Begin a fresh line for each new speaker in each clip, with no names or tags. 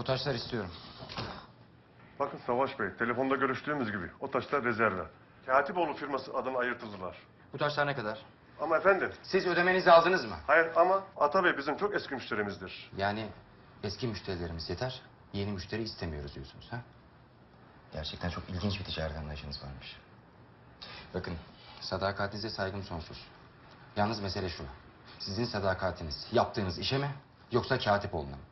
taşlar istiyorum.
Bakın Savaş Bey, telefonda görüştüğümüz gibi o taşlar rezerve. Katipoğlu firması adına ayırtıldılar.
Bu taşlar ne kadar?
Ama efendim,
Siz ödemenizi aldınız mı?
hayır ama Ata Bey bizim çok eski müşterimizdir.
Yani eski müşterilerimiz yeter, yeni müşteri istemiyoruz diyorsunuz ha? Gerçekten çok ilginç bir ticaret anlayışınız varmış. Bakın, sadakatinize saygım sonsuz. Yalnız mesele şu. Sizin sadakatiniz yaptığınız işe mi yoksa Katipoğlu'na mı?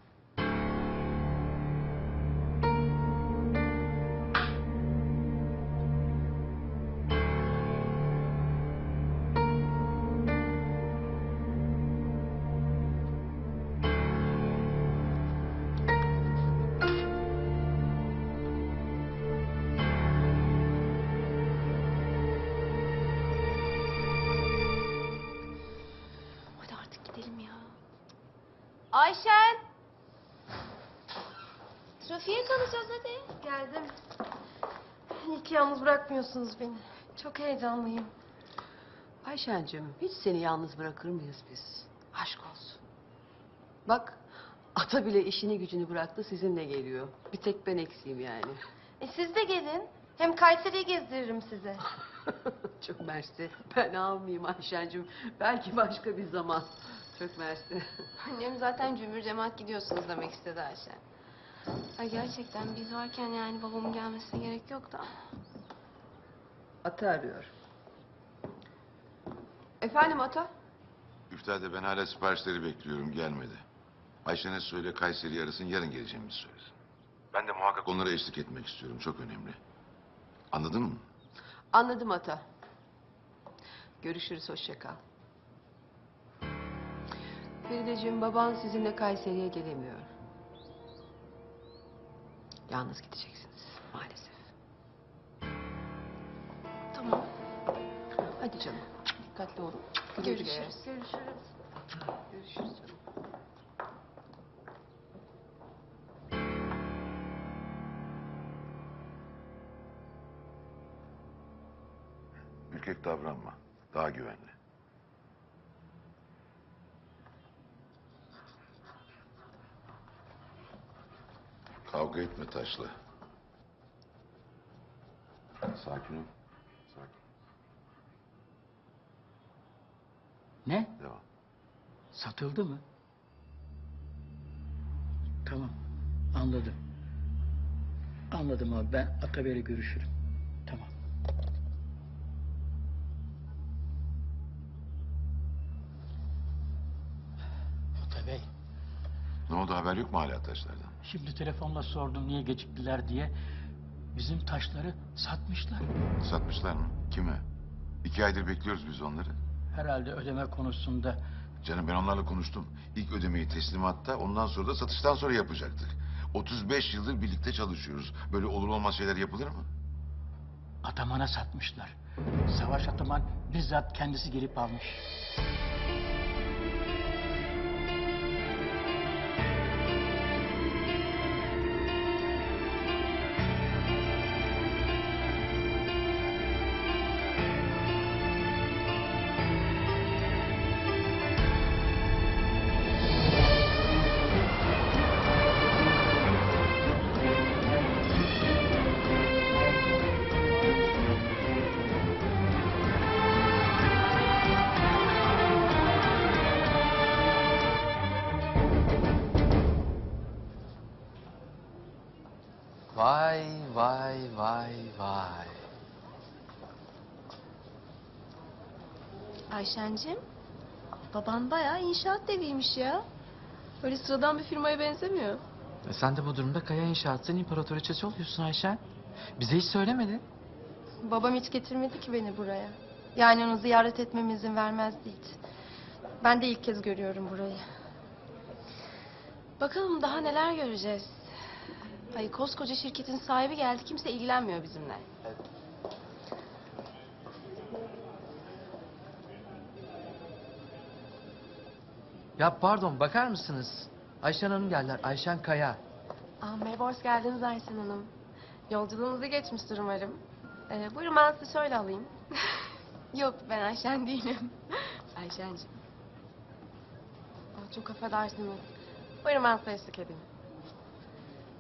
Hadi artık gidelim ya. Ayşen! Trafiğe kalacağız hadi.
Geldim. İyi ki yalnız bırakmıyorsunuz beni. Çok heyecanlıyım.
Ayşencim, hiç seni yalnız bırakır mıyız biz? Aşk olsun. Bak, ata bile işini gücünü bıraktı, sizinle geliyor. Bir tek ben eksiğim yani.
Siz de gelin. Hem Kayseri'yi gezdiririm size.
Çok mersi. Ben almayayım Ayşencim. Belki başka bir zaman. Çok mersi.
Annem zaten cümbür cemaat gidiyorsunuz demek istedi Ayşen. Ay gerçekten biz varken yani babamın gelmesine gerek yok da.
Ata arıyor. Efendim Ata?
Üftade ben hala siparişleri bekliyorum gelmedi. Ayşe'ne söyle Kayseri'yi arasın yarın geleceğimi söylesin. Ben de muhakkak onlara eşlik etmek istiyorum çok önemli. Anladın mı?
Anladım Ata. Görüşürüz, hoşça kal. Ferideciğim, baban sizinle Kayseri'ye gelemiyor. Yalnız gideceksiniz maalesef.
Tamam.
Hadi canım, dikkatli olun. Güle güle.
Görüşürüz.
Görüşürüz.
Görüşürüz canım.
Ürkek davranma. Daha güvenli. Kavga etme taşla. Sakin ol. Sakin.
Ne?
Devam.
Satıldı mı? Tamam, anladım. Anladım abi, ben Ataber'le görüşürüm. Tamam. Atabey,
Ne oldu haber yok mu hala taşlardan?
şimdi telefonla sordum niye geciktiler diye. Bizim taşları satmışlar.
Satmışlar mı? Kime? 2 aydır bekliyoruz biz onları.
Herhalde ödeme konusunda.
Canım ben onlarla konuştum. İlk ödemeyi teslimatta ondan sonra da satıştan sonra yapacaktık. 35 yıldır birlikte çalışıyoruz. Böyle olur olmaz şeyler yapılır mı?
Ataman'a satmışlar. Savaş Ataman bizzat kendisi gelip almış.
Vay vay vay vay.
Ayşencim, baban bayağı inşaat deviymiş ya. Öyle sıradan bir firmaya benzemiyor.
Sen de bu durumda Kaya İnşaat'ın imparatoriçesi oluyorsun Ayşen. Bize hiç söylemedin.
Babam hiç getirmedi ki beni buraya. Yani onu ziyaret etmeme izin vermezdi hiç. Ben de ilk kez görüyorum burayı.
Bakalım daha neler göreceğiz. Ay koskoca şirketin sahibi geldi, kimse ilgilenmiyor bizimle.
Ya pardon, bakar mısınız? Ayşen Hanım geldiler. Ayşen Kaya.
Merhaba, hoş geldiniz Ayşen Hanım. Yolculuğunuzu geçmiştir umarım. Buyurun ben sizi şöyle alayım. Yok, ben Ayşen değilim. Ayşenciğim. Çok affedersiniz. Buyurun ben size eşlik edeyim.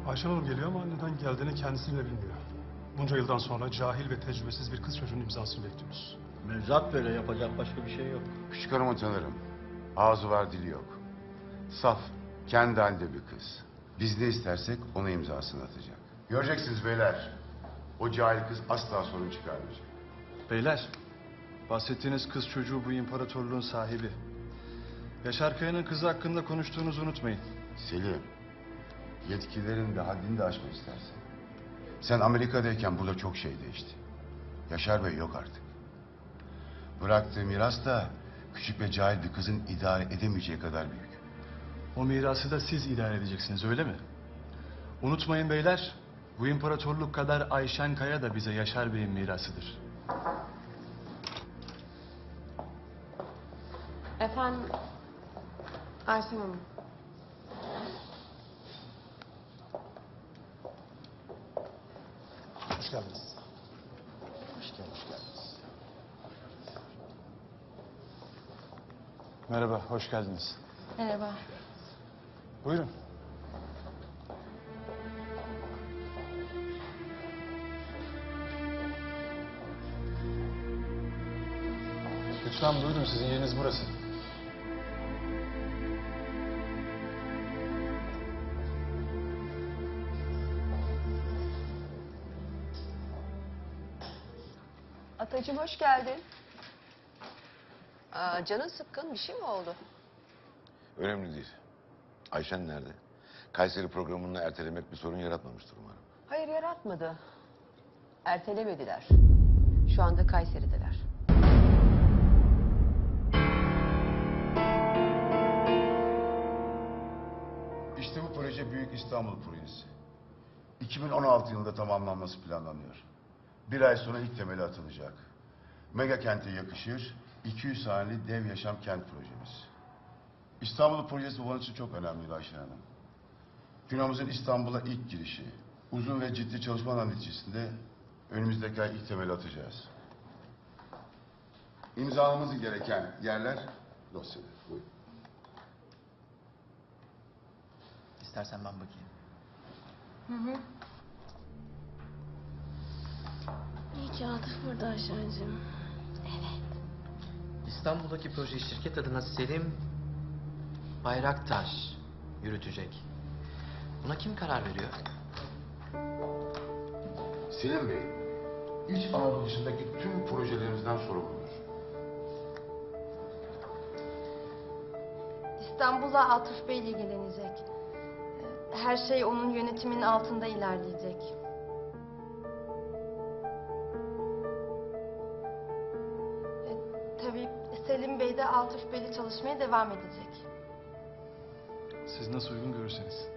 Ayşen Hanım geliyor ama neden geldiğini kendisi bile bilmiyor. Bunca yıldan sonra cahil ve tecrübesiz bir kız çocuğunun imzasını bekliyoruz.
Mevzuat böyle, yapacak başka bir şey yok.
Küçük hanımı tanırım. Ağzı var dili yok. Saf, kendi halinde bir kız. Biz ne istersek ona imzasını atacak. Göreceksiniz beyler. O cahil kız asla sorun çıkarmayacak.
Beyler, bahsettiğiniz kız çocuğu bu imparatorluğun sahibi. Yaşar Kaya'nın kızı hakkında konuştuğunuzu unutmayın.
Selim, yetkilerin de haddini de aşma istersen. Sen Amerika'dayken burada çok şey değişti. Yaşar Bey yok artık. Bıraktığı miras da küçük ve cahil bir kızın idare edemeyeceği kadar büyük.
O mirası da siz idare edeceksiniz, öyle mi? Unutmayın beyler, bu imparatorluk kadar Ayşen Kaya da bize Yaşar Bey'in mirasıdır.
Efendim, Ayşen Hanım.
Hoş geldiniz.
Hoş geldiniz.
Merhaba, hoş geldiniz.
Merhaba.
Buyurun. Lütfen buyurun, sizin yeriniz burası.
Atacığım hoş geldin. Canın sıkkın, bir şey mi oldu?
Önemli değil. Ayşen nerede? Kayseri programını ertelemek bir sorun yaratmamıştır umarım.
Hayır, yaratmadı. Ertelemediler. Şu anda Kayseri'deler.
İşte bu proje Büyük İstanbul Projesi. 2016 yılında tamamlanması planlanıyor. Bir ay sonra ilk temeli atılacak. Mega kente yakışır, 200 haneli dev yaşam kent projemiz. İstanbul projesi bunun için çok önemliydi Ayşen Hanım. Firmamızın İstanbul'a ilk girişi, uzun ve ciddi çalışmalar neticesinde önümüzdeki ay ilk temeli atacağız. İmzalamamız gereken yerler dosyada. Buyurun.
İstersen ben bakayım.
İyi ki Atıf burada Ayşen'cim.
İstanbul'daki proje şirket adına Selim Bayraktaş yürütecek. Buna kim karar veriyor?
Selim Bey, İç Anadolu dışındaki tüm projelerimizden sorumludur.
İstanbul'a Atıf Bey ile ilgilenecek. Her şey onun yönetiminin altında ilerleyecek. Tabii Selim Bey de Atıf Bey'le çalışmaya devam edecek.
Siz nasıl uygun görürseniz.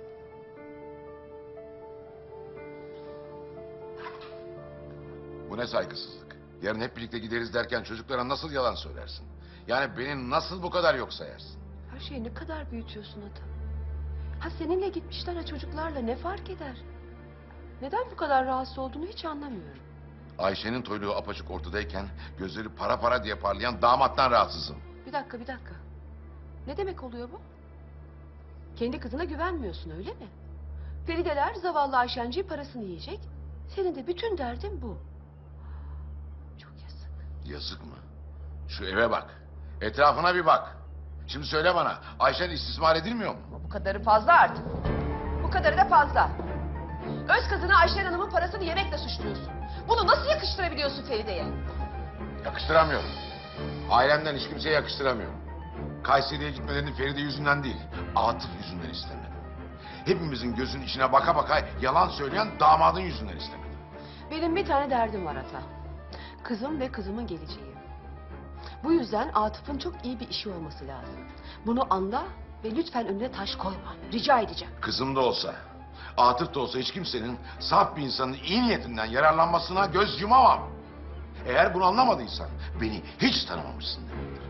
Bu ne saygısızlık? Yarın hep birlikte gideriz derken çocuklara nasıl yalan söylersin? Yani beni nasıl bu kadar yok sayarsın?
Her şeyi ne kadar büyütüyorsun Ata. Ha seninle gitmişler, ha çocuklarla, ne fark eder? Neden bu kadar rahatsız olduğunu hiç anlamıyorum.
Ayşe'nin toyluğu apaçık ortadayken gözleri para para diye parlayan damattan rahatsızım.
Bir dakika, bir dakika. Ne demek oluyor bu? Kendi kızına güvenmiyorsun, öyle mi? Ferideler zavallı Ayşenciğin parasını yiyecek. Senin de bütün derdin bu. Çok yazık.
Yazık mı? Şu eve bak. Etrafına bir bak. Şimdi söyle bana, Ayşen istismar edilmiyor mu?
Bu kadarı fazla artık. Bu kadarı da fazla. Öz kızına Ayşen Hanım'ın parasını yemekle suçluyorsun. Bunu nasıl yakıştırabiliyorsun Feride'ye?
Yakıştıramıyorum. Ailemden hiç kimseye yakıştıramıyorum. Kayseri'ye gitmelerini Feride yüzünden değil, Atıf yüzünden istemedim. Hepimizin gözünün içine baka baka yalan söyleyen damadın yüzünden istemedim.
Benim bir tane derdim var Ata. Kızım ve kızımın geleceği. Bu yüzden Atıf'ın çok iyi bir işi olması lazım. Bunu anla ve lütfen önüne taş koyma. Rica edeceğim.
Kızım da olsa, Atıf da olsa hiç kimsenin saf bir insanın iyi niyetinden yararlanmasına göz yumamam. Eğer bunu anlamadıysan beni hiç tanımamışsın demektir.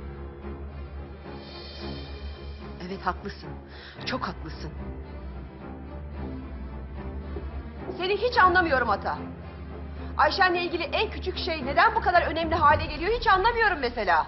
Evet, haklısın. Çok haklısın. Seni hiç anlamıyorum Ata. Ayşen'le ilgili en küçük şey neden bu kadar önemli hale geliyor hiç anlamıyorum mesela.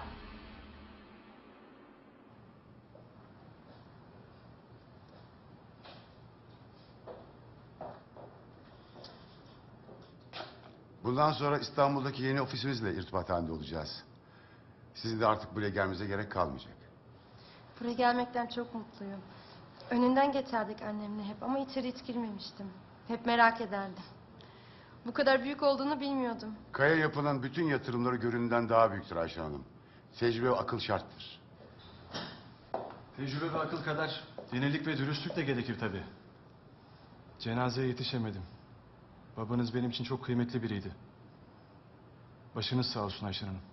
Bundan sonra İstanbul'daki yeni ofisimizle irtibat halinde olacağız. Sizin de artık buraya gelmenize gerek kalmayacak.
Buraya gelmekten çok mutluyum. Önünden geçerdik annemle hep ama içeri hiç girmemiştim. Hep merak ederdim. Bu kadar büyük olduğunu bilmiyordum.
Kaya yapılan bütün yatırımları göründüğünden daha büyüktür Ayşe Hanım. Tecrübe ve akıl şarttır.
Tecrübe ve akıl kadar yenilik ve dürüstlük de gerekir tabii. Cenazeye yetişemedim. Babanız benim için çok kıymetli biriydi. Başınız sağ olsun Ayşen Hanım.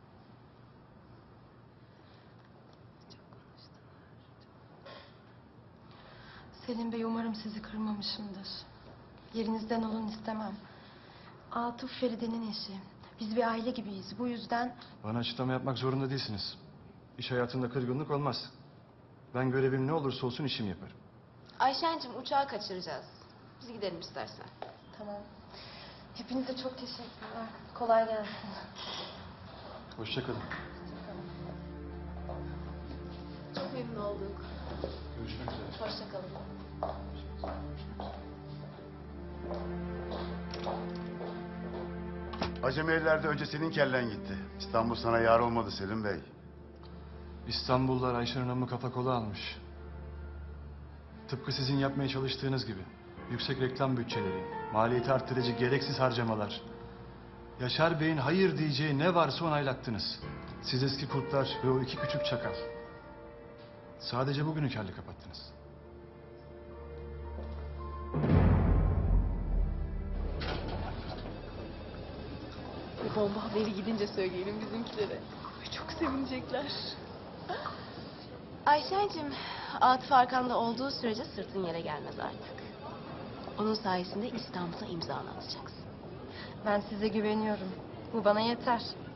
Selim Bey, umarım sizi kırmamışımdır. Yerinizden olun istemem. Atıf Feride'nin eşi. Biz bir aile gibiyiz. Bu yüzden
Bana açıklama yapmak zorunda değilsiniz. İş hayatında kırgınlık olmaz. Ben görevim ne olursa olsun işimi yaparım.
Ayşen'cim uçağı kaçıracağız. Biz gidelim istersen.
tamam. Hepinize çok teşekkürler. Kolay gelsin.
Hoşça kalın.
Çok memnun olduk.
Görüşmek üzere.
Hoşçakalın.
Acemilerde önce senin kellen gitti. İstanbul sana yar olmadı Selim Bey.
İstanbullular Ayşen Hanım'ı kafa kola almış. Tıpkı sizin yapmaya çalıştığınız gibi. Yüksek reklam bütçeleri, maliyeti arttırıcı gereksiz harcamalar. Yaşar Bey'in hayır diyeceği ne varsa onaylattınız. Siz eski kurtlar ve o iki küçük çakal. Sadece bugünü kârlı kapattınız.
Bu bomba haberi gidince söyleyelim bizimkilere. Çok sevinecekler. Ayşen'cim, Atıf arkanda olduğu sürece sırtın yere gelmez artık. Onun sayesinde İstanbul'a imzanı atacaksın.
Ben size güveniyorum. Bu bana yeter.